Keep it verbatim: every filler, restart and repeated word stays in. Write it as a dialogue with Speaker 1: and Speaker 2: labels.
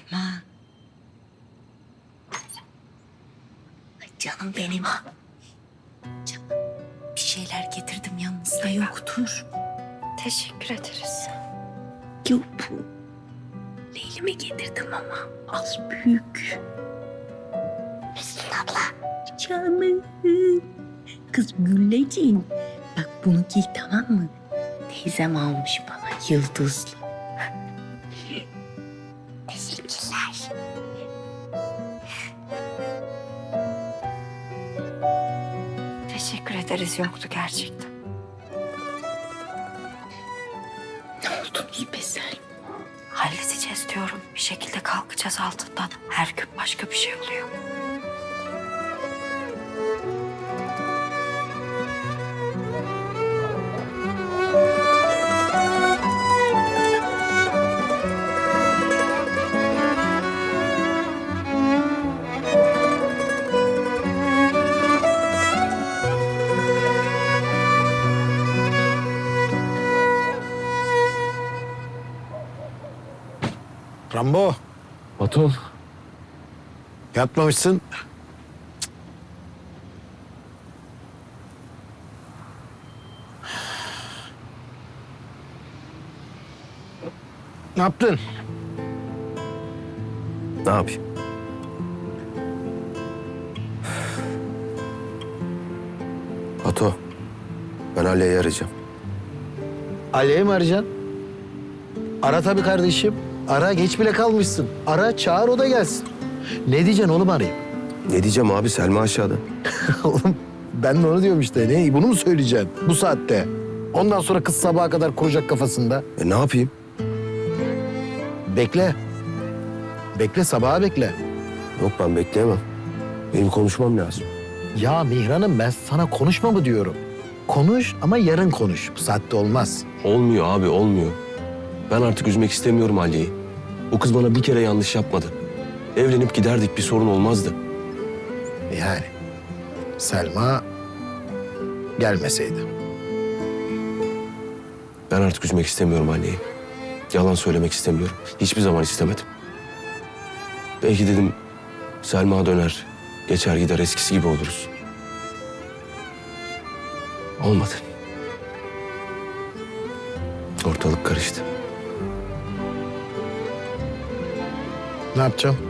Speaker 1: Selma. Ay canım benim. Canım, bir şeyler getirdim yanınızda yoktur.
Speaker 2: Teşekkür ederiz.
Speaker 1: Yok bu. Leylime getirdim ama az büyük. Müslüm abla. Canım. Kız Gülleciğim. Bak bunu giy tamam mı? Teyzem almış bana yıldızlı. Teşekkürler.
Speaker 2: Teşekkür ederiz yoktu gerçekten.
Speaker 1: Ne oldunuz be Selma?
Speaker 2: Halledeceğiz diyorum. Bir şekilde kalkacağız altından. Her gün başka bir şey oluyor.
Speaker 3: Rambo,
Speaker 4: Baton.
Speaker 3: yatmamışsın. Ne yaptın?
Speaker 4: Ne yapayım? Bato. Ben Ali'yi arayacağım.
Speaker 3: Ali'yi mi arayacaksın? Ara tabii kardeşim. Ara, geç bile kalmışsın. Ara, çağır, o da gelsin. Ne diyeceksin oğlum arayıp?
Speaker 4: Ne diyeceğim abi? Selma aşağıda.
Speaker 3: Oğlum ben de onu diyorum işte. Ne? Bunu mu söyleyeceksin bu saatte? Ondan sonra kız sabaha kadar kuracak kafasında.
Speaker 4: E ne yapayım?
Speaker 3: Bekle. Bekle, sabaha bekle.
Speaker 4: Yok ben bekleyemem. Benim konuşmam lazım.
Speaker 3: Ya Mihran'ım ben sana konuşma mı diyorum? Konuş ama yarın konuş. Bu saatte olmaz.
Speaker 4: Olmuyor abi olmuyor. Ben artık üzmek istemiyorum Ali'yi. O kız bana bir kere yanlış yapmadı. Evlenip giderdik bir sorun olmazdı.
Speaker 3: Yani Selma gelmeseydi.
Speaker 4: Ben artık üzmek istemiyorum Ali'yi. Yalan söylemek istemiyorum. Hiçbir zaman istemedim. Belki dedim Selma döner, geçer gider eskisi gibi oluruz. Olmadı. Ortalık karıştı.
Speaker 3: Ne yapacağım?